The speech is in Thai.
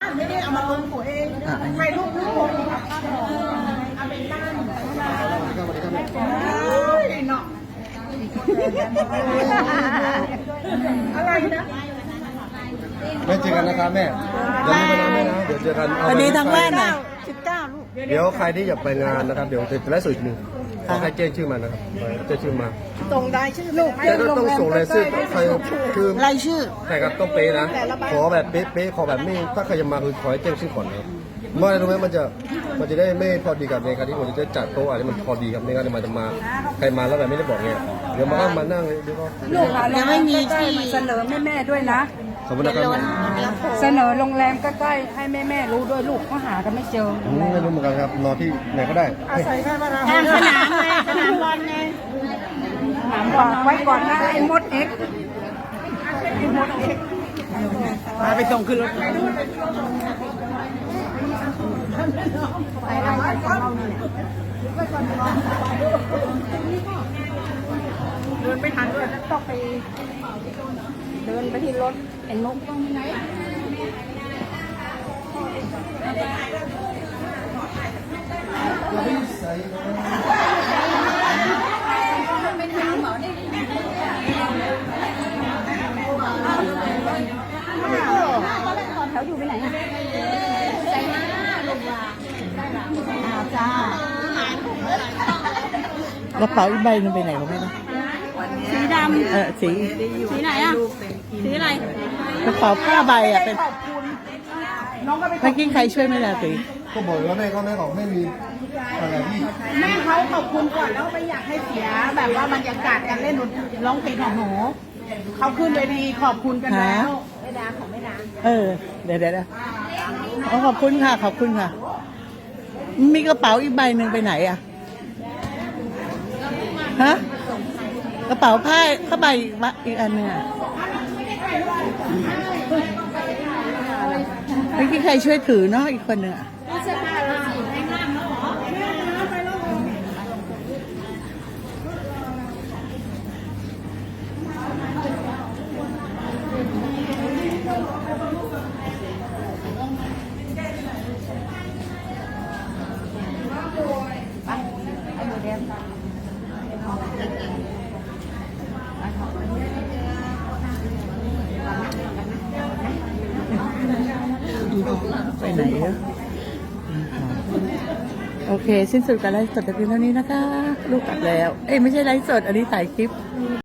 ไม่ได้เอามาลงตัวเองใครรูปรูปเอาเป็นด้านเนาะอะไรนะแม่เจอกันนะครับแม่เดี๋ยวไม่เป็นไรแม่นะเดี๋ยวเจอกันวันนี้ทั้งบ้านน่ะ 19 ลูกเดี๋ยวใครที่อยากไปงานนะครับเดี๋ยวจะไลฟ์สดอีกหนึ่งขอให้แจ้งชื่อมานะครับแจ้งชื่อมาตรงได้ชื่อลูกแต่ต้องส่งรายชื่อใครคือรายชื่อแต่ครับต้องเป๊ะนะขอแบบเป๊ะขอแบบไม่ถ้าใครจะมาคือขอให้แจ้งชื่อก่อนนะครับเมื่อไรรู้ไหมมันจะได้ไม่พอดีกับในการที่ผมจะจัดโต๊ะอะไรมันพอดีครับในการที่มันจะมาใครมาแล้วแบบไม่ได้บอกเนี่ยเดี๋ยวมานั่งเลยเดี๋ยวก็ลูกยังไม่มีที่เสนอแม่ด้วยนะขอบคุณนะครับเสนอโรงแรมใกล้ๆให้แม่รู้ด้วยลูกเขาหากันไม่เจอไม่รู้เหมือนกันครับนอนที่ไหนก็ได้อาศัยแค่มาทางสนามไงสนามบอลไงถามบอกไว้ก่อนนะไอ้มดเอ็กมาไปส่งขึ้นรถเดินไม่ทันด้วยต้องไปเดินไปที่รถเห็นมุกต้องไหนแถวอยู่ไปไหนอะใจมากลงมาจ้ากระเป๋าอีกใบนึงไปไหนของแม่นะสีดำสีสีไหนอะสีอะไรกระเป๋าผ้าใบอ่ะเป็นน้องก็ไปเมื่อกี้ใครช่วยไหมล่ะสีก็บอกว่าแม่ของไม่มีอะไรที่แม่เขาขอบคุณก่อนแล้วไม่อยากให้เสียแบบว่าบรรยากาศการเล่นร้องเพลงของหนูเขาขึ้นเวทีขอบคุณกันแล้วไม่ดาของไม่ดาเดี๋ยวขอบคุณค่ะขอบคุณค่ะ มีกระเป๋าอีกใบหนึ่งไปไหนอ่ะฮะกระเป๋าผ้าใบอีกอันหนึ่งอ่ะเมื่อกี้ใครช่วยถือเนาะอีกคนหนึ่งอ่ะไปไหนอะโอเคสิ้นสุดการไลฟ์สดแต่เพียงเท่านี้นะคะ ลูกกลับแล้ว เอ้ยไม่ใช่ไลฟ์สด อันนี้ถ่ายคลิป